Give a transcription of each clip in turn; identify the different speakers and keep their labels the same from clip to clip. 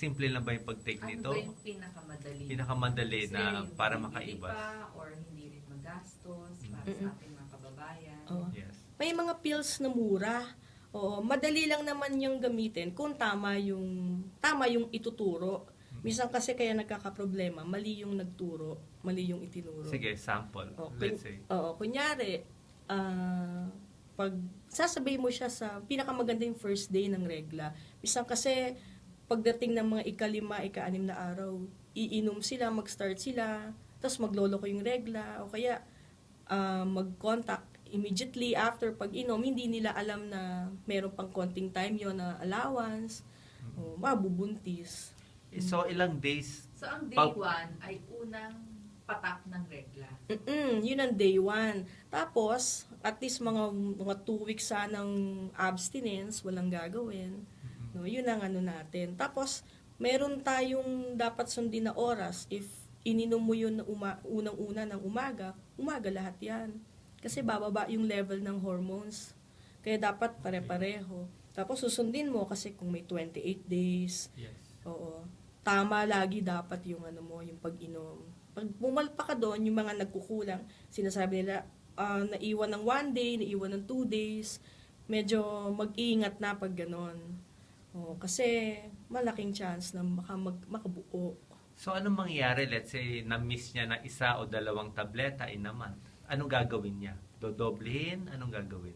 Speaker 1: simple lang ba yung pag-take
Speaker 2: Ano
Speaker 1: nito?
Speaker 2: ba yung pinakamadali?
Speaker 1: Pinakamadali
Speaker 2: Kasi
Speaker 1: na para
Speaker 2: hindi
Speaker 1: makaibas.
Speaker 2: pa or hindi rin magastos para sa ating mga kababayan.
Speaker 3: Oo.
Speaker 1: Yes.
Speaker 3: May mga pills na mura. Oo, madali lang naman yung gamitin kung tama yung ituturo. Minsan kasi kaya nagkakaproblema, mali yung nagturo, mali yung itinuro.
Speaker 1: Sige, sample.
Speaker 3: Oo,
Speaker 1: Let's say.
Speaker 3: kunyari, pag sasabay mo siya sa pinakamaganda yung first day ng regla. Minsan kasi pagdating ng mga ika-5, ika-6 na araw, iinom sila, mag-start sila, tapos magloloko yung regla, o kaya mag-contact immediately after pag-inom, hindi nila alam na meron pang konting time yon na allowance, o mabubuntis.
Speaker 1: So, ilang days?
Speaker 2: So, ang day 1 ay unang patak ng regla.
Speaker 3: Yun ang day 1. Tapos, at least mga 2 weeks sanang abstinence, walang gagawin. No, yun ang ano natin. Tapos, meron tayong dapat sundin na oras. If ininom mo yun na unang-una ng umaga lahat yan. Kasi bababa yung level ng hormones. Kaya dapat pare-pareho. Tapos susundin mo kasi kung may 28 days.
Speaker 1: Yes.
Speaker 3: Oo. Tama lagi dapat yung yung pag-inom. Pag bumalpa ka doon, yung mga nagkukulang, sinasabi nila, naiwan ng 1 day, naiwan ng 2 days, medyo mag-iingat na pag ganon. Kasi malaking chance na makabuo.
Speaker 1: So, anong mangyayari? Let's say, na-miss niya na 1 o 2 tableta in a month. Anong gagawin niya? Dodoblehin? Anong gagawin?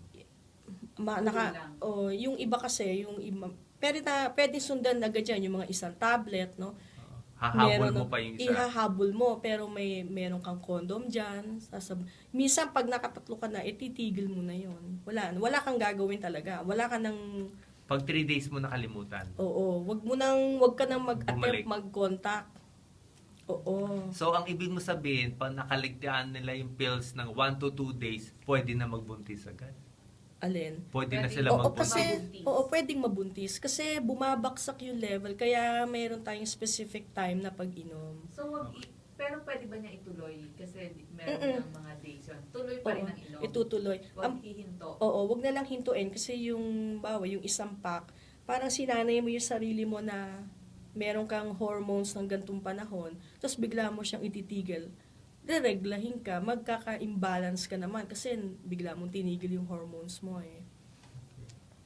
Speaker 3: Yung iba kasi, pwede sundan agad yan, yung mga isang tablet, no?
Speaker 1: Hahabol mo pa yung isa.
Speaker 3: Ihahabol mo, pero meron kang condom dyan. Minsan, pag nakatatlo ka na, titigil mo na yon. Wala kang gagawin talaga. Wala ka nang...
Speaker 1: Pag 3 days mo nakalimutan.
Speaker 3: Oo, wag ka nang mag-attempt mag-contact. Oo.
Speaker 1: So, ang ibig mo sabihin, pag nakaligtaan nila yung pills ng 1 to 2 days, pwede na magbuntis agad.
Speaker 3: Alin?
Speaker 1: Pwede na sila magbuntis.
Speaker 3: Pwedeng mabuntis. Kasi bumabaksak yung level. Kaya mayroon tayong specific time na pag-inom.
Speaker 2: So, pero pwede ba niya ituloy? Kasi meron ng mga days yun. Tuloy pa rin ang inom.
Speaker 3: Itutuloy.
Speaker 2: Huwag hihinto.
Speaker 3: Wag na lang hintuin. Kasi yung isang pack, parang sinanay mo yung sarili mo na meron kang hormones ng gantong panahon, tapos bigla mo siyang ititigil, dereglahin ka, magkaka-imbalance ka naman kasi bigla mong tinigil yung hormones mo eh.